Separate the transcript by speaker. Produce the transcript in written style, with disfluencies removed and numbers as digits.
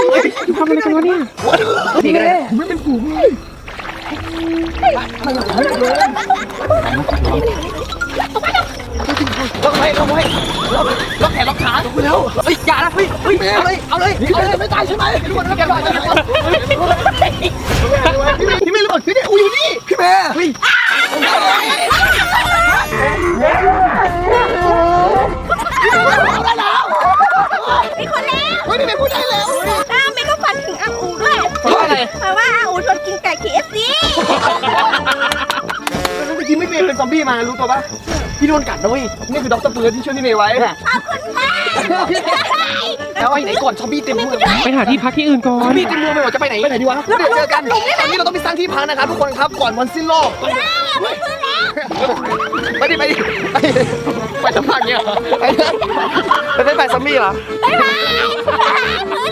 Speaker 1: ทำอะไรกันวะเนี่ยนี่ก็ได้ไม่เป็นฝูงเลยล็อกไว้ล็อกไว้ล็อกแขนล็อกขาถูกแล้วเฮ้ยอย่านะเฮ้ยเอาเลยไม่ตายใช่ไหมทุกคนแกรอดพี่เมย์ระเบิดพี่เนี่ยกูอยู่นี่พี่เมย์
Speaker 2: มีคนแล้ว
Speaker 3: เฮ้ยพี่เมย์พูดได้แล้ว
Speaker 2: ไม่ก็ฝันถึงอาอูด้วย
Speaker 1: เพราะอะไร
Speaker 2: เพราะว่าอาอูชวนกินไก่ KFC
Speaker 3: เมื่อกี้ไม่เมย์เป็นซอมบี้มารู้ตัวปะพี่โดนกัดนะเว้ยนี่คือด็อกเตอร์เฟิร์สที่ช่วยพี่เมย์ไว้
Speaker 2: ขอบคุณมาก
Speaker 3: แล้วไอ้ไหนก่อนซอมบี้เต็มเมือง
Speaker 1: ไปหาที่พักที่อื่นก่อ
Speaker 3: ซอน มบี้เต็มเมืองไปหมดจะไปไหนเดี๋ยวเจอกันตอนนี้เราต้องไปสร้างที่พักนะครับทุกคนครับก่อนวันสิ้นโลกไปดิไปสัมภาษณ์เงี้ยไปซอมบี้เหรอ
Speaker 2: บ๊ายบาย